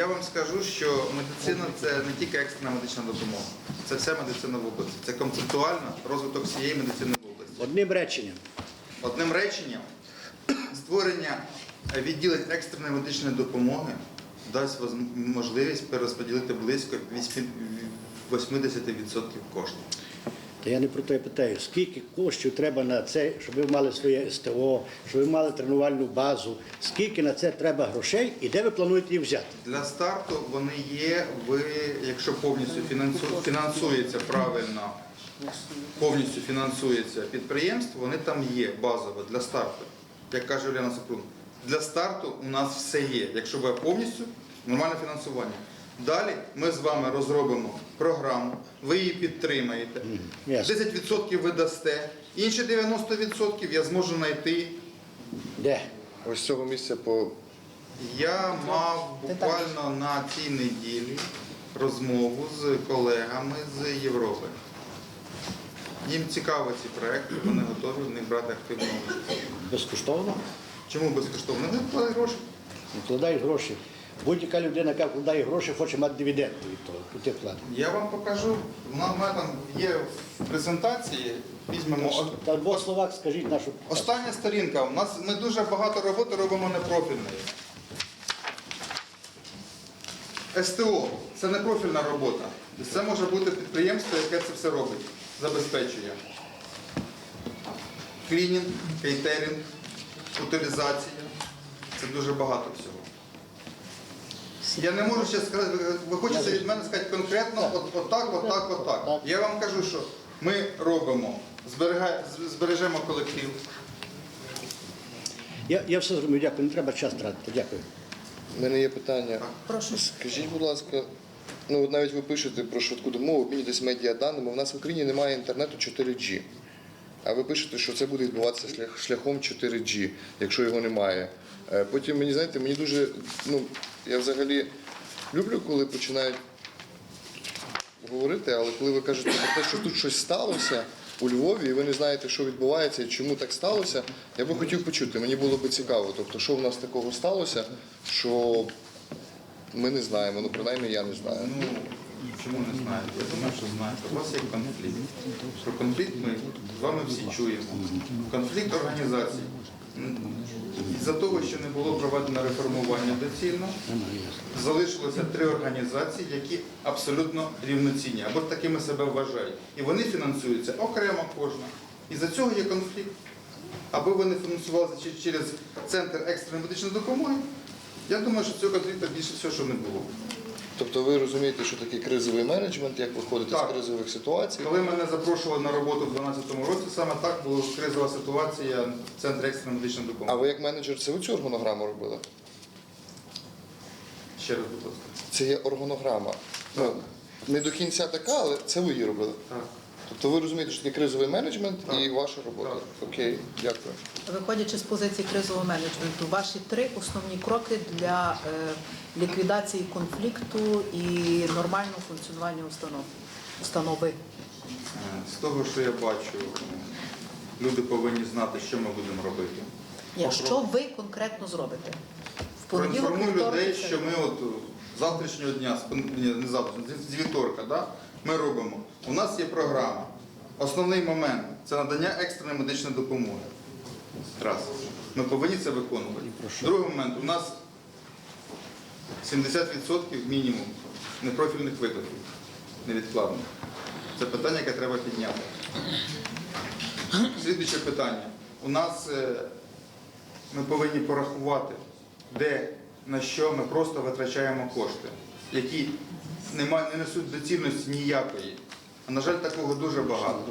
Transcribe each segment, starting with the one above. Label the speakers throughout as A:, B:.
A: Я вам скажу, що медицина – це не тільки екстрена медична допомога, це вся медицина в області. Це концептуально розвиток всієї медицини в області.
B: Одним реченням.
A: Одним реченням, створення відділень екстреної медичної допомоги дасть можливість перерозподілити близько 80% коштів.
B: Та я не про те питаю, скільки коштів треба на це, щоб ви мали своє СТО, щоб ви мали тренувальну базу, скільки на це треба грошей і де ви плануєте їх взяти?
A: Для старту вони є, якщо повністю фінансується правильно, повністю фінансується підприємство, вони там є базово для старту. Як каже Уляна Супрун, для старту у нас все є, якщо буде повністю нормальне фінансування. Далі ми з вами розробимо програму, ви її підтримаєте, 10% ви дасте, інші 90% я зможу знайти.
B: Де?
C: Ось з цього місця по...
A: Я мав буквально на цій неділі розмову з колегами з Європи. Їм цікаві ці проекти, вони готові в них брати активну участь.
B: Безкоштовно?
A: Чому безкоштовно? Вони вкладають гроші.
B: Вкладають гроші. Будь-яка людина, яка вкладає гроші, хоче мати дивіденди від того, від тих вкладів.
A: Я вам покажу, у мене там є в презентації, візьмемо.
B: Та в двох словах скажіть нашу...
A: Остання сторінка. Ми дуже багато роботи робимо непрофільної. СТО – це непрофільна робота. Це може бути підприємство, яке це все робить, забезпечує. Клінінг, кейтеринг, утилізація. Це дуже багато всього. Я не можу ще сказати, ви хочете від мене сказати конкретно отак. Я вам кажу, що ми робимо, збережемо колектив.
B: Я все зрозумів, дякую, не треба час тратити, дякую.
C: У мене є питання.
D: Прошу.
C: Скажіть, будь ласка, ну от навіть ви пишете про швидку допомогу, обмінюєтесь медіаданими, у нас в Україні немає інтернету 4G. А ви пишете, що це буде відбуватися шляхом 4G, якщо його немає. Потім, мені дуже, я взагалі люблю, коли починають говорити, але коли ви кажете про те, що тут щось сталося у Львові, і ви не знаєте, що відбувається і чому так сталося, я би хотів почути, мені було б цікаво, тобто, що в нас такого сталося, що ми не знаємо, принаймні я не знаю.
A: Чому не знаєте? Я думаю, що знаєте. У вас є конфлікт. Про конфлікт ми з вами всі чуємо. Конфлікт організацій. Із-за того, що не було проведено реформування доцільно, залишилося 3 організації, які абсолютно рівноцінні, або такими себе вважають. І вони фінансуються окремо кожна. Із-за цього є конфлікт. Аби вони фінансувалися через Центр екстреної медичної допомоги, я думаю, що цього конфлікту більше всього, що не було.
C: Тобто ви розумієте, що такий кризовий менеджмент, як виходити з кризових ситуацій?
A: Коли мене запрошували на роботу в 2012 році, саме так була кризова ситуація в Центрі екстреної медичної
C: А
A: допомоги.
C: ви як менеджер, це ви цю органограму робили?
A: Ще раз, будь ласка.
C: Це є органограма. Не до кінця така, але це ви її робили?
A: Так.
C: Тобто ви розумієте, що таке кризовий менеджмент і ваша робота?
A: Так.
C: Окей, дякую.
D: Виходячи з позиції кризового менеджменту, ваші 3 основні кроки для ліквідації конфлікту і нормального функціонування установи.
A: З того, що я бачу, люди повинні знати, що ми будемо робити.
D: Ні, що ви конкретно зробите? В понеділок,
A: Проінформую
D: вівторок,
A: людей,
D: це-
A: що ми от з завтрашнього дня, не завтра, з вівторка, да, ми робимо. У нас є програма. Основний момент – це надання екстреної медичної допомоги. Раз. Ми повинні це виконувати. Другий момент – у нас 70% мінімум непрофільних викликів, невідкладних. Це питання, яке треба підняти. Слідуюче питання. У нас ми повинні порахувати, де, на що ми просто витрачаємо кошти, які не несуть доцільності ніякої. А, на жаль, такого дуже багато.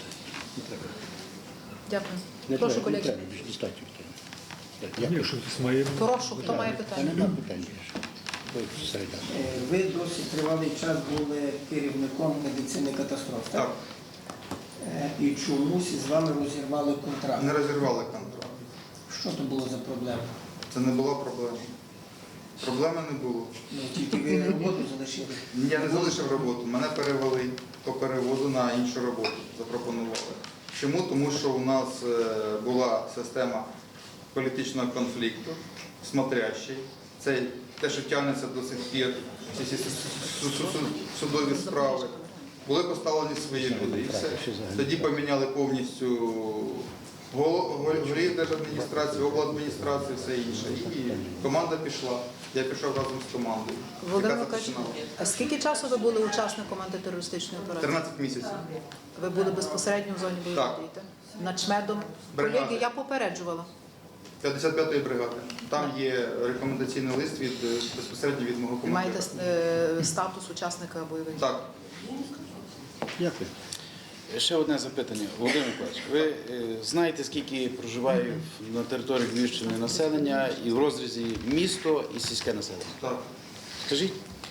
D: Дякую.
B: Не
D: Прошу,
B: треба, не
D: колеги.
B: треба, більше достатньо. Дякую.
D: Прошу, хто має питання?
B: Нема питань більше. Ви середа.
E: Ви досить тривалий час були керівником медицини катастроф, так?
A: Так,
E: І чомусь з вами розірвали контракт.
A: не розірвали контракт.
E: Що то було за проблема?
A: Це не була проблема. Проблеми не було.
E: Тільки ви роботу залишили.
A: Я не залишив роботу, мене перевели по переводу на іншу роботу, запропонували. Чому? Тому що у нас була система політичного конфлікту, смотрящий. Це те, що тягнеться до сих пір, ці всі судові справи. Були поставлені свої люди і все. Тоді поміняли повністю голів держадміністрації, обладміністрації, все інше. І команда пішла. Я пішов разом з командою.
D: Володимир
A: яка
D: Миколаївич,
A: започинала.
D: а скільки часу ви були учасником антитерористичної операції?
A: 13 місяців.
D: Ви були безпосередньо в зоні бойових
A: Так.
D: дій, так? Начмедом.
A: Бригади.
D: Колеги, я попереджувала.
A: 55-ї бригади. Там є рекомендаційний лист безпосередньо від мого
D: Ви маєте
A: командира.
D: статус учасника бойових дій.
A: Так.
B: Дякую.
F: Ще одне запитання. Володимир Миколаївич, ви знаєте, скільки проживає на території Львівщини населення і в розрізі місто і сільське населення?
A: Так.
F: Скажіть?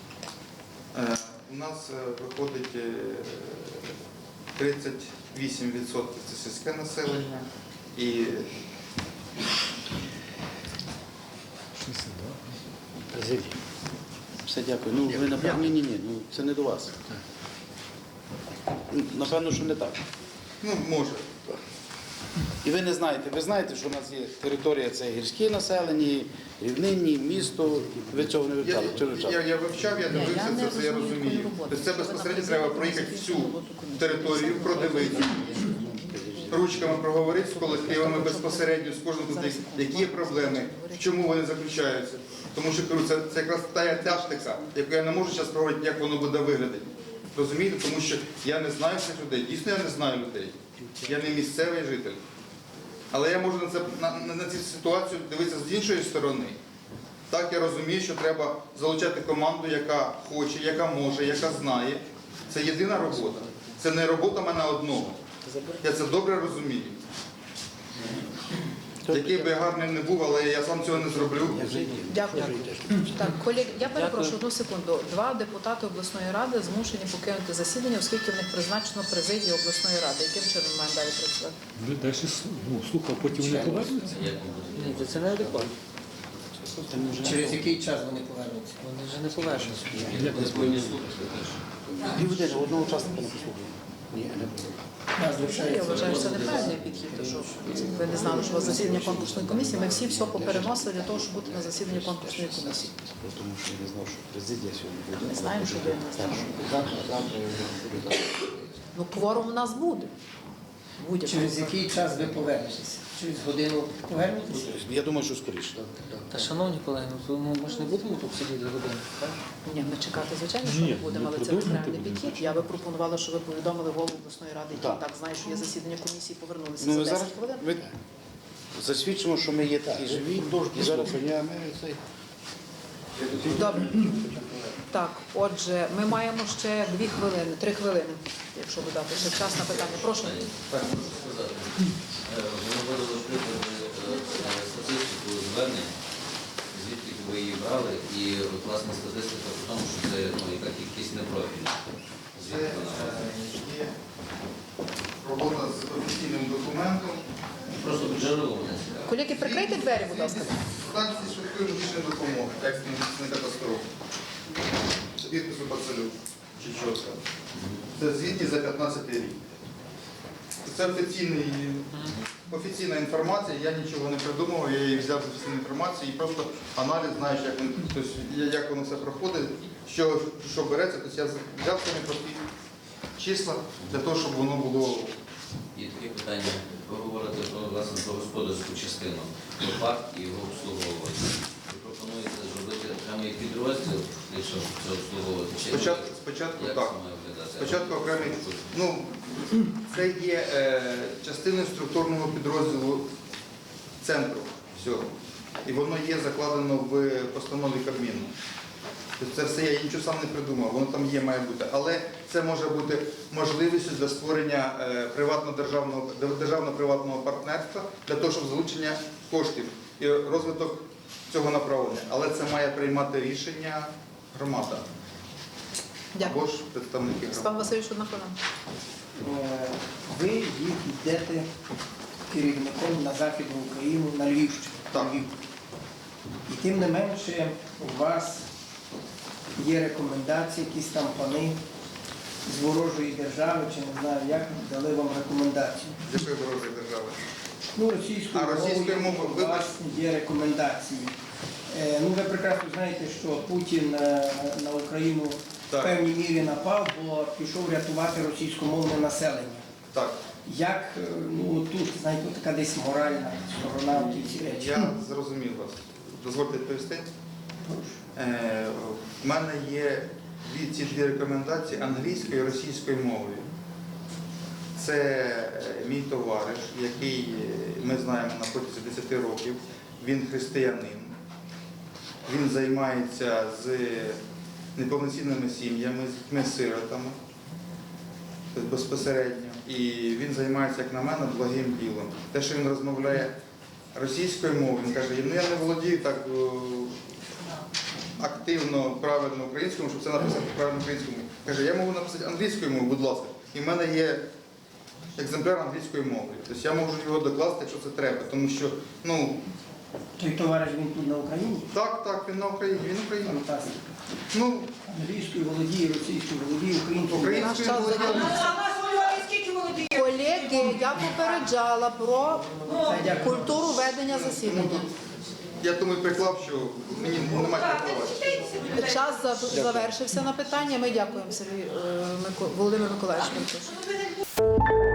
A: У нас виходить 38% це сільське населення і
B: Президія.
F: Все, дякую. Ну, ви напевно, ні, ну це не до вас. Напевно, що не так.
A: може.
F: І ви не знаєте, ви знаєте, що у нас є територія, це гірські населені, рівнинні, місто. Ви цього не вивчали? Чи вивчали?
A: Я вивчав, я дивився це, я розумію. Тобто це безпосередньо треба проїхати всю територію, продивитися, ручками проговорити з колективами безпосередньо, з кожним тут, які є проблеми, в чому вони заключаються. Тому що кажу, це якраз та тактика, яку я не можу зараз проговорити, як воно буде виглядати. Розумієте? Тому що я не знаю цих людей. Дійсно, я не знаю людей. Я не місцевий житель. Але я можу на цю ситуацію дивитися з іншої сторони. Так, я розумію, що треба залучати команду, яка хоче, яка може, яка знає. Це єдина робота. Це не робота мене одного. Я це добре розумію. Який би я гарний не був, але я сам цього не зроблю.
D: Дякую. Так, колеги, я перепрошую одну секунду. 2 депутати обласної ради змушені покинути засідання, оскільки в них призначено президію обласної ради. Яким чином ми маємо далі працювати?
G: Ви далі слухав, потім вони повернуться?
H: Ні, це неадекватно.
E: Через який час вони повернуться?
H: Вони вже не повернуться.
F: Півгодини, одного учасника не послухали. Ні, не було.
D: Я вважаю, що це неправильний підхід, тому що ви не знали, що у вас засідання конкурсної комісії. Ми всі все попереносили для того, щоб бути на засіданні конкурсної комісії.
F: Тому що я не знав, що президія сьогодні буде.
D: Ми знаємо, що ви не знаєте.
F: Завтра я вже буду.
D: Ну, кворум у нас буде.
E: Через який час ви повернетеся? Через годину повернетеся?
F: Я думаю, що скоріше.
H: Та, шановні колеги, ну ми ж не будемо тут сидіти годину, так?
D: Ні, ми чекати, звичайно, що
G: Ні,
D: не будемо,
G: ми
D: але це
G: продовжуємо
D: неправильний
G: будемо.
D: підхід. Я би пропонувала, щоб ви повідомили голову обласної ради, який
F: Так.
D: так знає, що є засідання комісії, повернулися
F: Ну,
D: за
F: ви
D: 10
F: зараз
D: хвилин.
F: ви засвідчимо, що ми є такі живі. І зараз
D: Добре. Так, отже, ми маємо ще 2 хвилини, 3 хвилини, якщо додати ще час на питання. Прошу.
I: Ми вивели статистику звернень, звідки ви її брали, і власне статистика в тому, що це яка кількість непрофільна.
A: Це є робота з офіційним документом.
I: Просто джерело мене цікаво.
D: Колеги, прикрийте двері, будь ласка.
A: Станції швидкої медичної допомоги, екстреної медичної катастрофи. Підпису Бацелю чи чотка. Це звітні за 15 рік. Це офіційна інформація, я нічого не придумував, я її взяв з офіційної інформації і просто аналіз, знаєш, як воно все проходить, що береться. Тобто я взяв самі прості числа для того, щоб воно було.
I: І таке питання. Ви говорите власне про господарську частину, про факт і його обслуговування. Ви пропонуєте зробити окремий підрозділ, якщо це обслуговувати? Чи
A: Спочатку
I: як
A: так.
I: це має виглядати?
A: Спочатку окремий. Це є частиною структурного підрозділу центру всього. І воно є закладено в постанові Кабміну. Тобто це все я нічого сам не придумав, воно там є, має бути. Але це може бути можливістю для створення державно-приватного партнерства для того, щоб залучення коштів і розвиток цього направлення. Але це має приймати рішення громада.
D: Дякую.
A: Або ж представники громади.
D: Степан Васильович, одна хвилина.
E: Ви їх йдете керівником на Західну Україну, на Львівщину.
A: Так.
E: Львів. І тим не менше у вас є рекомендації, якісь там пани з ворожої держави, чи не знаю як, дали вам рекомендації.
A: З якої ворожої держави?
E: Ну, російською
A: А, російською
E: мовою
A: мовою,
E: у вас є рекомендації. Ну, ви прекрасно знаєте, що Путін на Україну
A: Так.
E: в певній мірі напав, бо пішов рятувати російськомовне населення.
A: Так,
E: Як ну, тут, знаєте, така десь моральна сторона в ці речі?
A: я зрозумів вас. Дозвольте відповісти. В мене є ці дві рекомендації англійською і російською мовою. Це мій товариш, який ми знаємо на протязі 10 років. Він християнин. Він займається з неповноцінними сім'ями, з дітьми-сиротами безпосередньо. І він займається, як на мене, благим ділом. Те, що він розмовляє російською мовою, він каже, ну я не володію так активно, правильно українською, щоб це написати правильно українською мовою. Каже, я можу написати англійською мовою, будь ласка. І в мене є екземпляр англійською мовою. Тобто я можу його докласти, якщо це треба. Тому що, ну,
E: Той товариш, він тут на Україні?
A: так, він на Україні, він українець.
E: Фантастика.
A: Ну,
E: Англійською володіє, російською володіє, українською.
D: Наш
A: українською
D: час
A: володіє.
D: закінчився. Колеги, я попереджала про культуру ведення засідання.
A: Я тому і приклав, що мені немає приховати.
D: Час завершився на питання. Ми дякуємо, Володимир Миколаївич.